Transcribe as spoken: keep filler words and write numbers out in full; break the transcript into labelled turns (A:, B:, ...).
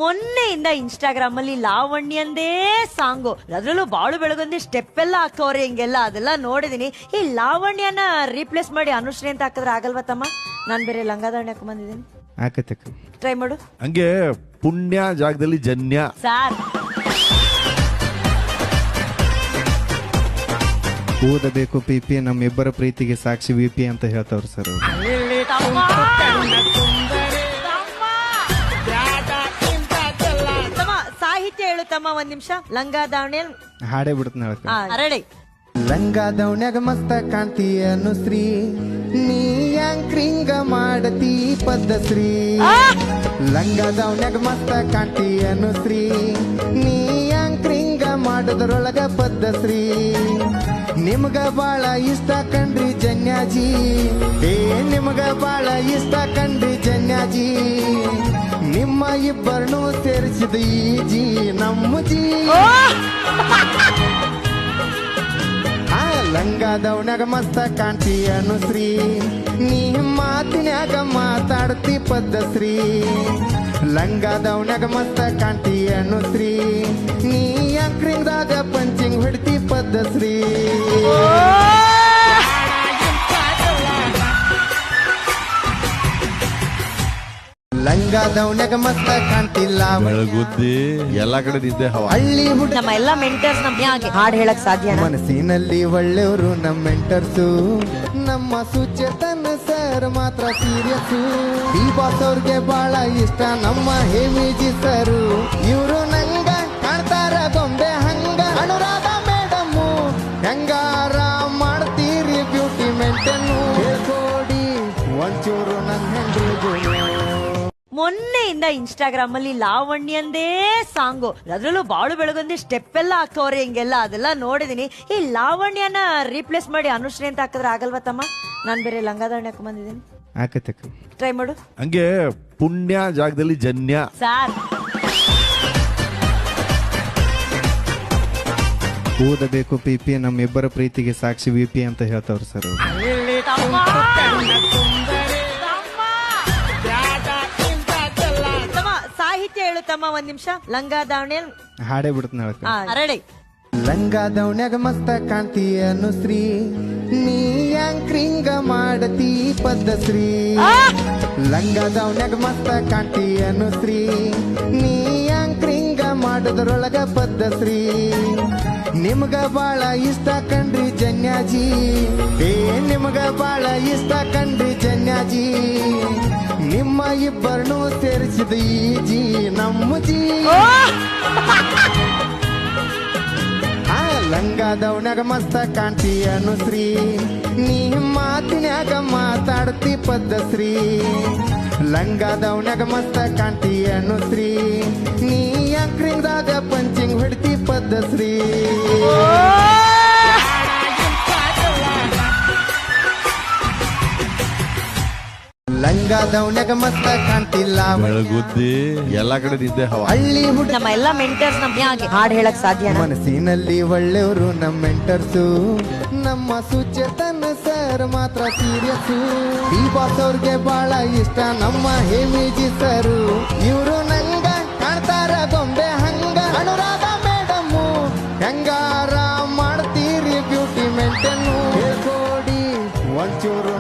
A: ಮೊನ್ನೆಯಿಂದ Instagram ಅಲ್ಲಿ ಲಾವಣ್ಯಂದೇ song, ಅದ್ರಲ್ಲೂ ಬಾಳು ಬೆಳಗೊಂದಿ ಸ್ಟೆಪ್ ಎಲ್ಲ ಹಾಕೋರಿ ಹಿಂಗೆಲ್ಲ ಅದೆಲ್ಲ ನೋಡಿದೀನಿ. ಈ ಲಾವಣ್ಯನ ರೀಪ್ಲೇಸ್ ಮಾಡಿ ಅನುಶ್ರೀ ಅಂತ ಹಾಕಿದ್ರೆ ಆಗಲ್ವಾ ತಮ್ಮ? ನಾನ್ ಬೇರೆ ಲಂಗಾದಾವಣಿ ಹಾಕೊಂಡ್ ಬಂದಿದ್ದೀನಿ,
B: ಆಕತಕ್ಕ
A: ಟ್ರೈ ಮಾಡು.
C: ಹಂಗೆ ಪುಣ್ಯ ಜಾಗದಲ್ಲಿ ಜನ್ಯ
A: ಸಾರ್
B: ಓದಬೇಕು ಪಿ ಪಿ ನಮ್ಮಿಬ್ಬರ ಪ್ರೀತಿಗೆ ಸಾಕ್ಷಿ ವಿ ಪಿ ಅಂತ ಹೇಳ್ತಾವ್ರು ಸರ್ ಅವ್ರು.
A: ತಮ್ಮ ಸಾಹಿತ್ಯ ಹೇಳು ತಮ್ಮ, ಒಂದ್ ನಿಮಿಷ. ಲಂಗಾದಾವಣಿ
B: ಹಾಡೇ ಬಿಡ್ತಾನೆ ಹೇಳಕ್ಕ.
A: ರೆಡಿ.
B: ಲಂಗಾದವನ್ಯಾಗ ಮಸ್ತ ಕಾಣ್ತಿ ಅನುಶ್ರೀ, ನೀ ಯಾಂಕ್ರಿಂಗ ಮಾಡತಿ ಪದ್ಧಶ್ರೀ. ಲಂಗಾದವನ್ಯಾಗ ಮಸ್ತ ಕಾಣ್ತಿ ಅನುಶ್ರೀ, ನೀ ಯಾಂಕ್ರಿಂಗ ಮಾಡೋದ್ರೊಳಗ ಪದ್ಧಶ್ರೀ. ನಿಮ್ಗ ಬಾಳ ಇಷ್ಟ ಕಂಡ್ರಿ ಜನ್ಯಾಜಿ, ಏ ನಿಮ್ಗ ಬಾಳ ಇಷ್ಟ ಕಂಡ್ರಿ ಜನ್ಯಾಜಿ. ನಿಮ್ಮ ಇಬ್ಬರನ್ನು ಸೇರಿಸಿದ ಈ ಜಿ ನಮ್ಮ ಜಿ. ಲಂಗಾದವನ್ಯಾಗ ಮಸ್ತ ಕಾಣ್ತಿ ಅನುಶ್ರೀ, ನೀ ಮಾತಿನ್ಯಾಗ ಮಾತಾಡ್ತಿ ಪದ್ಧಶ್ರೀ. ಲಂಗಾದವನ್ಯಾಗ ಮಸ್ತ ಕಾಣ್ತಿ ಅನುಶ್ರೀ, ನೀ ಯಾಂಕ್ರಿಂಗ್ದಾಗ ಪಂಚಿಂಗ್ ಹೊಡ್ತಿ ಪದ್ಧಶ್ರೀ. ಲಂಗಾದವನ್ಯಾಗ ಮಸ್ತ ಕಾಣ್ತಿಲ್ಲ
C: ಬೆಳಗುದ್ದಿ ಎಲ್ಲಾ ಕಡೆ ನಿದ್ದೆ ಹವಾ.
B: ಹಳ್ಳಿ ಹುಡುಗ
A: ನಮ್ಮ ಎಲ್ಲಾ ಮೆಂಟರ್ಸ್ ನಮ್ಗೆ ಹಾಡ್ ಹೇಳಕ್ ಸಾಧ್ಯ?
B: ಮನಸ್ಸಿನಲ್ಲಿ ಒಳ್ಳೆಯವರು ನಮ್ಮ ಮೆಂಟರ್ಸು, ನಮ್ಮ ಸುಚೇತನ ಸರ್ ಮಾತ್ರ ಸೀರಿಯಸ್ಸು. ಈ ಬಾಸ್ ಅವ್ರಿಗೆ ಬಹಳ ಇಷ್ಟ ನಮ್ಮ ಹೇಮಿಜಿ ಸರು, ಇವರು ನಂಗ ಕಾಣ್ತಾರ ಗೊಂಬೆ ಹಂಗ. ಅನುರಾಧ ಮೇಡಮ್ಮು ಹೆಂಗಾರ ಮಾಡ್ತೀರಿ ಬ್ಯೂಟಿ ಮೇಂಟೇನು, ಹೇಳ್ಕೊಡಿ ಒಂಚೂರು ನನ್ನ ಹೆಂಡ್ರಿಗೂ.
A: ಮೊನ್ನೆಯಿಂದ ಇನ್ಸ್ಟಾಗ್ರಾಮ್ ಅಲ್ಲಿ ಲಾವಣ್ಯಂದೇ ಸಾಂಗು, ಅದ್ರಲ್ಲೂ ಬಾಳು ಬೆಳಗೊಂದಿ ಸ್ಟೆಪ್ ಎಲ್ಲ ಹಾಕೋರಿ ಹಿಂಗೆಲ್ಲ ಅದೆಲ್ಲ ನೋಡಿದೀನಿ. ಈ ಲಾವಣ್ಯನ ರೀಪ್ಲೇಸ್ ಮಾಡಿ ಅನುಶ್ರೀ ಅಂತ ಹಾಕಿದ್ರೆ ಆಗಲ್ವಾ ತಮ್ಮ? ನಾನ್ ಬೇರೆ ಲಂಗಾದಾವಣಿ ಹಾಕೊಂಡ್ ಬಂದಿದ್ದೀನಿ,
B: ಆಕತಕ್ಕ
A: ಟ್ರೈ ಮಾಡು.
C: ಹಂಗೆ ಪುಣ್ಯ ಜಾಗದಲ್ಲಿ ಜನ್ಯ
A: ಸಾರ್
B: ಓದಬೇಕು ಪಿ ಪಿ ನಮ್ಮಿಬ್ಬರ ಪ್ರೀತಿಗೆ ಸಾಕ್ಷಿ ವಿ ಪಿ ಅಂತ ಹೇಳ್ತಾವ್ರು ಸರ್ ಅವ್ರು.
A: ತಮ್ಮ ಸಾಹಿತ್ಯ ಹೇಳು ತಮ್ಮ, ಒಂದ್ ನಿಮಿಷ. ಲಂಗಾದಾವಣಿ
B: ಹಾಡೇ ಬಿಡ್ತಾನೆ ಹೇಳಕ್ಕ.
A: ರೆಡಿ.
B: ಲಂಗಾದವನ್ಯಾಗ ಮಸ್ತ ಕಾಣ್ತಿ ಅನುಶ್ರೀ, ನೀ ಯಾಂಕ್ರಿಂಗ ಮಾಡತಿ ಪದ್ಧಶ್ರೀ. ಲಂಗಾದವನ್ಯಾಗ ಮಸ್ತ ಕಾಣ್ತಿ ಅನುಶ್ರೀ, ನೀ ಯಾಂಕ್ರಿಂಗ ಮಾಡೋದ್ರೊಳಗ ಪದ್ಧಶ್ರೀ. ನಿಮ್ಗ ಬಾಳ ಇಷ್ಟ ಕಂಡ್ರಿ ಜನ್ಯಾಜಿ, ಏ ನಿಮ್ಗ ಬಾಳ ಇಷ್ಟ ಕಂಡ್ರಿ ಜನ್ಯಾಜಿ. ನಿಮ್ಮ ಇಬ್ಬರನ್ನು ಸೇರಿಸಿದ ಈ ಜಿ ನಮ್ಮ ಜಿ. ಲಂಗಾದವನ್ಯಾಗ ಮಸ್ತ ಕಾಣ್ತಿ ಅನುಶ್ರೀ, ನೀ ಮಾತಿನ್ಯಾಗ ಮಾತಾಡ್ತಿ ಪದ್ಧಶ್ರೀ. ಲಂಗಾದವನ್ಯಾಗ ಮಸ್ತ ಕಾಣ್ತಿ ಅನುಶ್ರೀ, ನೀ ಯಾಂಕ್ರಿಂಗ್ದಾಗ ಪಂಚಿಂಗ್ ಹೊಡ್ತಿ ಪದ್ಧಶ್ರೀ. ಲಂಗಾದವನ್ಯಾಗ ಮಸ್ತ ಕಾಣ್ತಿಲ್ಲ
C: ಬೆಳಗುದ್ದಿ ಎಲ್ಲಾ ಕಡೆ ನಿದ್ದೆ ಹವಾ.
B: ಹಳ್ಳಿ ಹುಡುಗ
A: ನಮ್ಮ ಎಲ್ಲಾ ಮೆಂಟರ್ಸ್ ನಮ್ಗೆ ಹಾಡ್ ಹೇಳಕ್ ಸಾಧ್ಯ?
B: ಮನಸ್ಸಿನಲ್ಲಿ ಒಳ್ಳೆಯವರು ನಮ್ಮ ಮೆಂಟರ್ಸು, ನಮ್ಮ ಸುಚೇತನ ಸರ್ ಮಾತ್ರ ಸೀರಿಯಸ್ಸು. ಈ ಬಾಸ್ ಅವ್ರಿಗೆ ಬಹಳ ಇಷ್ಟ ನಮ್ಮ ಹೇಮಿಜಿ ಸರು, ಇವರು ನಂಗ ಕಾಣ್ತಾರ ಗೊಂಬೆ ಹಂಗ. ಅನುರಾಧ ಮೇಡಮ್ಮು ಹೆಂಗಾರ ಮಾಡ್ತೀರಿ ಬ್ಯೂಟಿ ಮೇಂಟೇನು, ಹೇಳ್ಕೊಡಿ ಒಂಚೂರು